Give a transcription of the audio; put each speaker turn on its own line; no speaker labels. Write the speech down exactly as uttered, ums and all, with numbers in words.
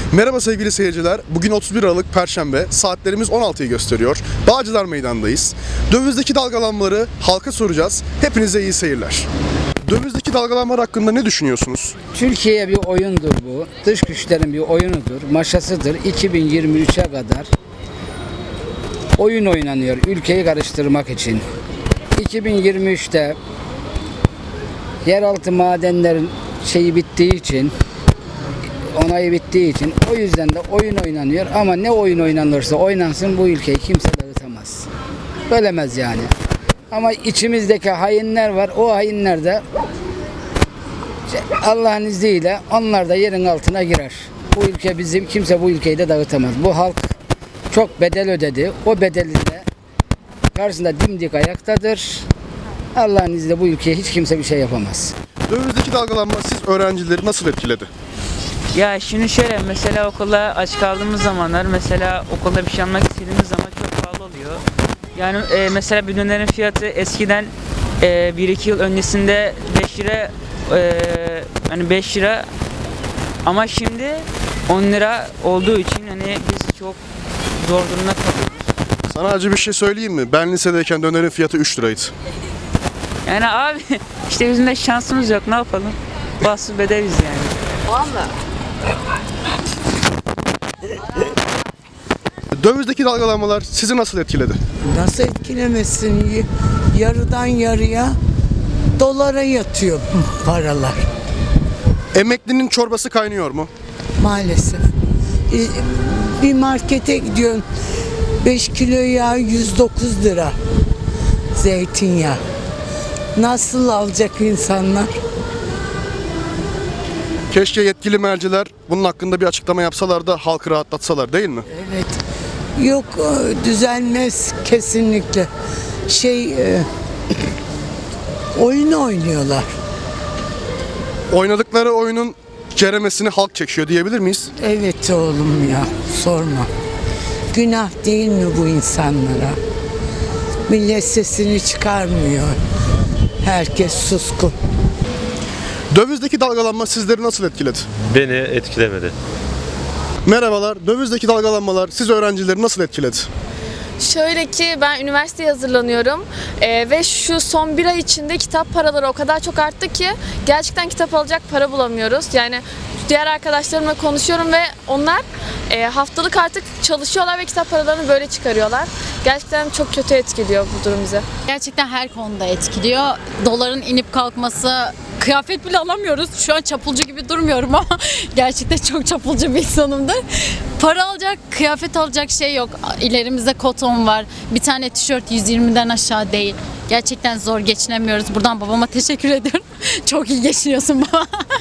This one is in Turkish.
Merhaba sevgili seyirciler. Bugün otuz bir Aralık Perşembe. Saatlerimiz on altıyı gösteriyor. Bağcılar Meydanı'ndayız. Dövizdeki dalgalanmaları halka soracağız. Hepinize iyi seyirler. Dövizdeki dalgalanmalar hakkında ne düşünüyorsunuz?
Türkiye'ye bir oyundur bu. Dış güçlerin bir oyunudur, maşasıdır. iki bin yirmi üçe kadar oyun oynanıyor ülkeyi karıştırmak için. iki bin yirmi üçte yeraltı madenlerin şeyi bittiği için, onayı bittiği için o yüzden de oyun oynanıyor ama ne oyun oynanırsa oynansın bu ülkeyi kimse dağıtamaz. Bölemez yani. Ama içimizdeki hainler var. O hainler de Allah'ın izniyle onlar da yerin altına girer. Bu ülke bizim, kimse bu ülkeyi de dağıtamaz. Bu halk çok bedel ödedi. O bedeli de karşısında dimdik ayaktadır. Allah'ın izniyle bu ülkeye hiç kimse bir şey yapamaz.
Dövizdeki dalgalanma siz öğrencileri nasıl etkiledi?
Ya şimdi şöyle, mesela okulda aç kaldığımız zamanlar, mesela okulda bir şey almak istediğimiz zaman çok pahalı oluyor. Yani e, mesela bir dönerin fiyatı eskiden e, bir iki yıl öncesinde beş lira, e, hani beş lira, ama şimdi on lira olduğu için hani biz çok zor durumda kalıyoruz.
Sana acı bir şey söyleyeyim mi? Ben lisedeyken dönerin fiyatı üç liraydı.
Yani abi işte bizim de şansımız yok, ne yapalım? Bahtsız bedeliz yani.
Vallahi.
Dövizdeki dalgalanmalar sizi nasıl etkiledi?
Nasıl etkilemesin? Y- Yarıdan yarıya dolara yatıyor paralar
Emeklinin çorbası kaynıyor mu?
maalesef. E, Bir markete gidiyorsun, beş kilo yağ yüz dokuz lira, zeytinyağı. Nasıl alacak insanlar?
Keşke yetkili merciler bunun hakkında bir açıklama yapsalar da halkı rahatlatsalar, değil mi?
Evet. Yok, e, düzelmez kesinlikle. Şey e, oyun oynuyorlar.
Oynadıkları oyunun ceremesini halk çekiyor diyebilir miyiz?
Evet oğlum ya, sorma. Günah değil mi bu insanlara? Millet sesini çıkarmıyor. Herkes suskun.
Dövizdeki dalgalanma sizleri nasıl etkiledi?
Beni etkilemedi.
Merhabalar. Dövizdeki dalgalanmalar siz öğrencileri nasıl etkiledi?
Şöyle ki ben üniversiteye hazırlanıyorum Ee, ve şu son bir ay içinde kitap paraları o kadar çok arttı ki gerçekten kitap alacak para bulamıyoruz. Yani diğer arkadaşlarımla konuşuyorum ve onlar e, haftalık artık çalışıyorlar ve kitap paralarını böyle çıkarıyorlar. Gerçekten çok kötü etkiliyor bu durum bize.
Gerçekten her konuda etkiliyor. Doların inip kalkması, kıyafet bile alamıyoruz. Şu an çapulcu gibi durmuyorum ama gerçekten çok çapulcu bir insanımdır. Para alacak, kıyafet alacak şey yok. İlerimizde koton var. Bir tane tişört yüz yirmiden aşağı değil. Gerçekten zor geçinemiyoruz. Buradan babama teşekkür ediyorum. Çok iyi geçiniyorsun baba.